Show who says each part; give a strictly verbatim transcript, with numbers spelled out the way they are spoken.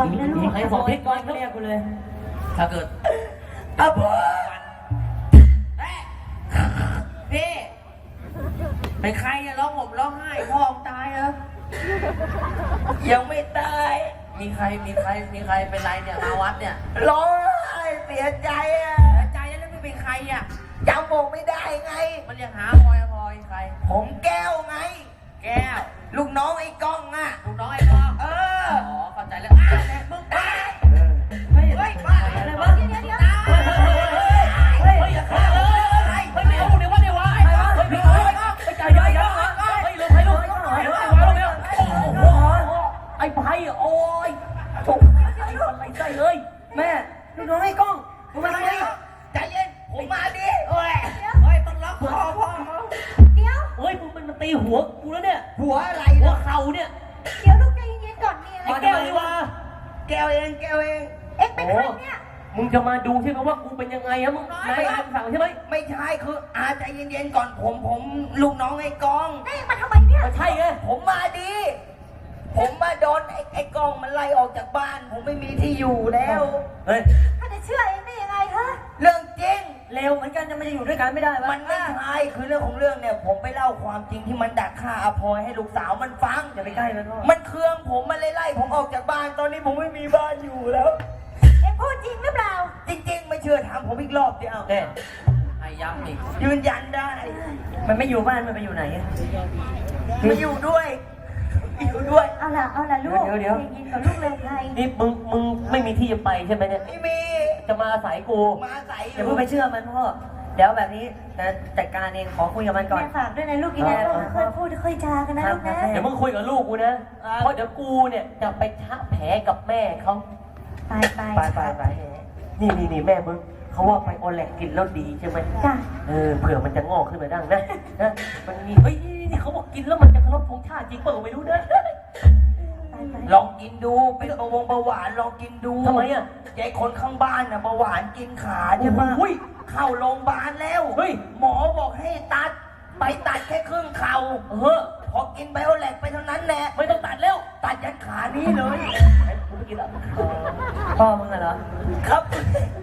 Speaker 1: อนนะลูก
Speaker 2: ใครสอนพิษก่อนเรียกกูเลยถ้าเกิด
Speaker 3: อาพ่อพี่เป็นใครอะร้องห่มร้องไห้พ่อตายเหรอยังไม่ตายมีใครมีใครมีใครเป็นไรเนี่ยมาวัดเนี่ยร้องไห้เสียใจอะเสียใจแล้วไม่เป็นใครอะจำผมไม่ได้ไงมันยังหาพลอยพลอยใครผมแก้วไงแก้วลูกน้องไอ้ก้องอะลูกน้องไอ้ก้องเอออ๋อเข้าใจแล้วอ่ะแม่มึงตายเฮ้ยเฮ้ยบ้าอะไรวะเดี๋ยวเดี๋ยวเฮ้ยอย่าฆ่าเลยเฮ้ยเดี๋ยวเดี๋ยวว่าเดี๋ยวว่าเฮ้ยเฮ้ยเฮ้ยเฮ้ยใจเย็นๆเฮ้ยลงให้ลงให้ลงให้ลงให้ลงแล้วโอ้โหไอ้ไผ่โอ้ยโอ้ยอะไรใจเลยแม่ลูกน้องไอ้ก้องมึงมาดิใจเย็นผมมาดิเฮ้ยเฮ้ยต้องล็อกคอพ่อ
Speaker 1: เดี๋ยว
Speaker 2: เฮ้ยมึงมันมาตีหัวกูแล้วเนี่ย
Speaker 3: หัวอะไร
Speaker 2: หัวเข่าเนี่ย
Speaker 1: เดี๋ยวลูกใจเย็นๆก่อนมีอะไร
Speaker 2: ไอ้แก้วนี่วะ
Speaker 3: แก้วเองแก้วเอง
Speaker 1: เอ็งเป็นใครเนี่ย
Speaker 2: มึงจะมาดูใช่ไหมว่ากูเป็นยังไงอะมึงไม่คำสั่งใช่ไหม
Speaker 3: ไม่ใช่คืออาใจเย็นๆก่อนผมผมลูกน้องไอ้กอง
Speaker 1: เอ็งมาทำไมเนี่ย
Speaker 2: ใช่ไง
Speaker 3: ผมมาดีผมมาโดนไอ้ไอ้กองมันไล่ออกจากบ้าน ผมไม่มีที่อยู่แล้ว
Speaker 2: เฮ้ย
Speaker 1: ถ้าจะเชื่อเอ็งได้ยังไงฮะ
Speaker 3: เรื่องจริง
Speaker 2: เร็วเหมือนกันจะไม่ได้อยู่ด้วยกันไม่ได้วะ
Speaker 3: มันไม่ใช่คือเรื่องของเรื่องเนี่ยผมไปเล่าความจริงที่มันดักฆ่าอภรให้ลูกสาวมันฟัง
Speaker 2: อย่าไปใกล้มันพ่อ
Speaker 3: มันเคืองผมมันเลยไล่ผมออกจากบ้านตอนนี้ผมไม่มีบ้านอยู่แล้ว
Speaker 1: เอ็งพูดจริงหรือเปล่า
Speaker 3: จริงๆไม่เชื่อถามผมอีกรอบเดียว
Speaker 2: แน่ให้ย้ำอีก
Speaker 3: ยืนยันได้
Speaker 2: มันไม่อยู่บ้านมันไปอยู่ไหน
Speaker 3: มาอยู่ด้วยอยู่ด้วย
Speaker 1: เอาล่ะเอาล่ะลูก
Speaker 2: เดี๋ยวเดี๋ยว
Speaker 1: ยินกับลูกเลยใคร
Speaker 2: นี่มึงมึงไม่มีที่จะไปใช่ไหมเนี่ย
Speaker 3: ไม่มี
Speaker 2: จะมาอาศัยกู
Speaker 3: มาอาศัยอ
Speaker 2: อย่าเพิ่งไปเชื่อมันพ่อเดี๋ยวแบบนี้จะจัดการเองขอคุยกับมันก่อน
Speaker 1: แม่ฝากด้วยนะลูกกินนะค่อยพูดค่อยจากันนะลูกนะ
Speaker 2: เดี๋ยวมึงคุยกับลูกกูนะเพราะเดี๋ยวกูเนี่ยจะไปชะแผลกับแม่เขา
Speaker 1: ไปไป
Speaker 2: ไปไปไปนี่นี่นี่แม่มึงเขาว่าไปโอแลกกินแล้วดีใช่ไหม
Speaker 1: จ้ะ
Speaker 2: เออเผื่อมันจะงอกขึ้นมาดังนะนะมันมีเฮ้ยนี่เขาบอกกินแล้วมันจะเคารพธงชาติจริงเปล่าไม่รู้นะ
Speaker 3: ลองกินดูเป็นเบาหวงเบาหวานลองกินดู
Speaker 2: ทำไมอ่ะ
Speaker 3: ยายคนข้างบ้านน่ะเบาหวานกินขาใช่ปะเข้าโรงพยาบาลแล้ว
Speaker 2: เฮ้ย
Speaker 3: หมอบอกให้ตัดไปตัดแค่ครึ่งเข่า
Speaker 2: เออ
Speaker 3: พอกินไบโอแลกไปเท่านั้นแหละ
Speaker 2: ไม่ต้องตัดแล้ว
Speaker 3: ตัดยันขานี้เลย
Speaker 2: พ่อมึงเหรอ
Speaker 3: ครับ